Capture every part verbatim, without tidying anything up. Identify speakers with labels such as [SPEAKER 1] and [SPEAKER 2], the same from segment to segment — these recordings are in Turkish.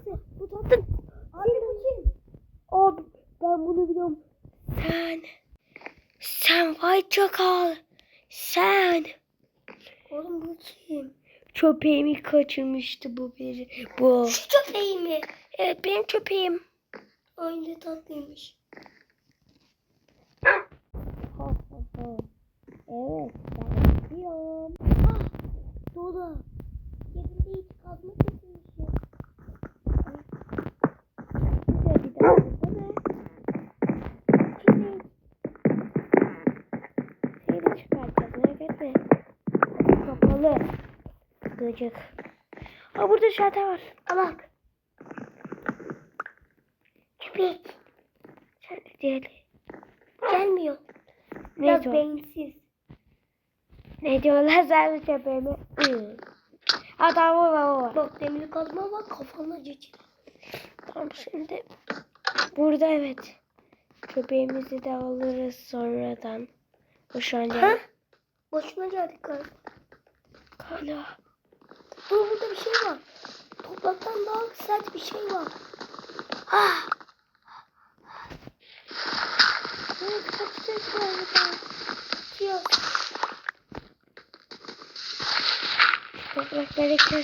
[SPEAKER 1] Neyse bu tatlı. Abi bu kim? Abi ben bunu biliyorum. Sen. Sen vay çakal. Sen.
[SPEAKER 2] Oğlum bu kim?
[SPEAKER 1] Köpeğimi kaçırmıştı bu biri. Bu.
[SPEAKER 2] Şu köpeği mi?
[SPEAKER 1] Evet benim köpeğim.
[SPEAKER 2] Ay ne tatlıymış.
[SPEAKER 1] Evet ben biliyorum.
[SPEAKER 2] Ah Dola. Yerinde hiç kazma kesilmişim.
[SPEAKER 1] Güzel bir daha değil mi?
[SPEAKER 2] Köpeğim.
[SPEAKER 1] Şeyi de çıkartacağız merak etme. Kapalı. Gıcık. Aa burada şalter var.
[SPEAKER 2] Al bak. Köpek.
[SPEAKER 1] Sen de diyelim.
[SPEAKER 2] Gelmiyor.
[SPEAKER 1] Ne
[SPEAKER 2] Biraz
[SPEAKER 1] diyor?
[SPEAKER 2] beyinsiz.
[SPEAKER 1] Ne diyorlar sen köpeğime? Hı. Ha tamam tamam.
[SPEAKER 2] Bak demir kazma bak kafana geçir.
[SPEAKER 1] Tamam şimdi. Burada evet. Köpeğimizi de alırız sonradan. Bu şu an
[SPEAKER 2] Ha? Boşuna geldik galiba.
[SPEAKER 1] Galiba.
[SPEAKER 2] Dur burada bir şey var. Topraktan daha sert bir şey var. Ah!
[SPEAKER 1] Evet kaçacağız galiba.
[SPEAKER 2] Diyor.
[SPEAKER 1] Toprakları kes.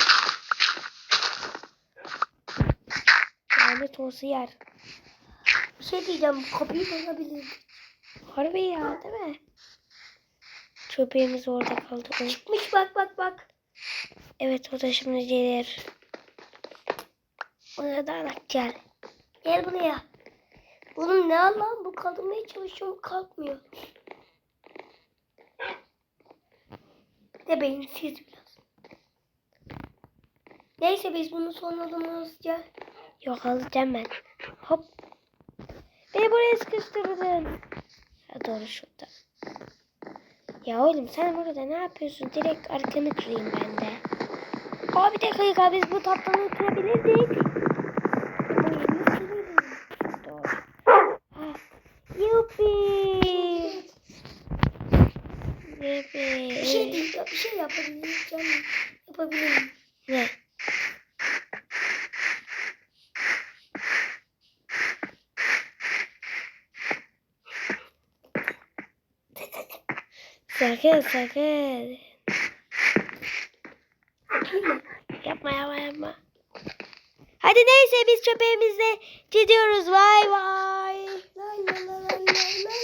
[SPEAKER 1] Lanet olsun yer.
[SPEAKER 2] Bir şey diyeceğim. Kapıyı bozabilirim.
[SPEAKER 1] Harbi ya değil mi? Köpeğimiz orada kaldı. O-
[SPEAKER 2] Çıkmış bak bak bak.
[SPEAKER 1] Evet o da şimdi gelir. Ona da bak gel.
[SPEAKER 2] Gel buraya. Oğlum ne lan bu kaldırmaya çalışıyorum kalkmıyor. De beyinsiz biraz. Neyse biz bunu sonradan alacağız.
[SPEAKER 1] Yok alacağım ben. Hop. Beni buraya sıkıştırdın. Ha, doğru şurada. Ya oğlum sen burada ne yapıyorsun? Direkt arkanı kırayım ben de. Aa bir dakika biz bu tatlıyı kırabilirdik. Doğru. Ha. Yuppi. Yuppi.
[SPEAKER 2] Bir şey değil, bir şey yapabiliriz canım. Yapabilirim.
[SPEAKER 1] Ne? Sakın sakın. Yapma yapma yapma. Hadi neyse biz köpeğimizle gidiyoruz. Vay vay.
[SPEAKER 2] Lay lay lay lay lay